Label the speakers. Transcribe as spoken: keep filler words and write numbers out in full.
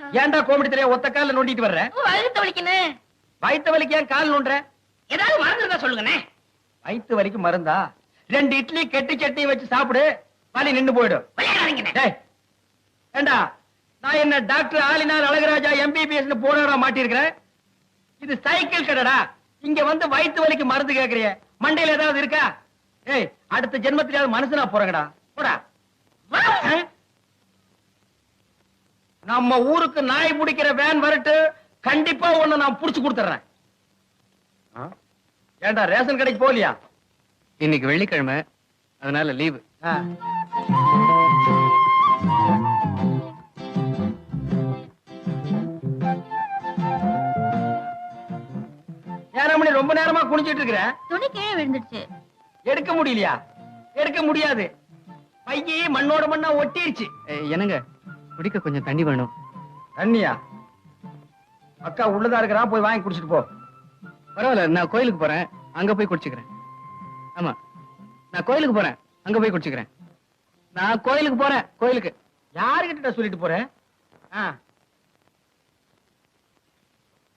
Speaker 1: ஏன்டா கோமடி தெரிய ஒத்த கால நோண்டிட்டு வர்ற?
Speaker 2: வயித்து வலிக்குனே.
Speaker 1: வயித்து வலிக்கு ஏன் கால் நோண்டுற?
Speaker 2: ஏதாவது மருந்து இருந்தா சொல்லுங்கண்ணே.
Speaker 1: வயித்து வலிக்கு மருந்தா? ரெண்டு இட்லி கெட்டி சட்னி வச்சு சாப்பிடு, வலி நின்னு போயிடும். டேய் ஏண்டா, நான் என்ன டாக்டர் ஆலினார் அழகராஜா எம்பிபிஎஸ் போராட மாட்டிருக்கிறேன்? இது சைக்கிள் கடைடா. இங்க வந்து வயித்து வலிக்கு மருந்து கேக்குறிய, மண்டையில ஏதாவது இருக்கா? ஏய், அடுத்த ஜென்மத்திலாவது மனுஷனா போறங்கடா, போடா. நம்ம ஊருக்கு நாய் பிடிக்கிற வேன் வரட்டு, கண்டிப்பா ஒண்ணு நான் புடிச்சு கொடுத்துறேன். ஏண்டா ரேஷன் கடைக்கு போலியா?
Speaker 3: இன்னைக்கு வெள்ளிக்கிழமை, அதனால லீவு.
Speaker 1: ஏழு மணி ரொம்ப நேரமா குனிஞ்சிட்டு இருக்கிற.
Speaker 4: துணி கீழே விழுந்துடுச்சு.
Speaker 1: எடுக்க முடியலையா? எடுக்க முடியாது, பையி மண்ணோட மண்ணா ஒட்டிருச்சு.
Speaker 3: என்னங்க, குடிக்க கொஞ்சம் தண்ணி வேணும்.
Speaker 1: தண்ணியா? அக்கா உள்ளதா இருக்கிறா, போய் வாங்கி குடிச்சிட்டு போ.
Speaker 3: பரவாயில்ல, நான் கோயிலுக்கு போறேன், அங்க போய் குடிச்சுக்கிறேன். ஆமா, நான் கோயிலுக்கு போறேன், அங்க போய் குடிச்சுக்கிறேன். நான் கோயிலுக்கு போறேன். கோயிலுக்கு
Speaker 1: யாருகிட்ட சொல்லிட்டு போறேன்?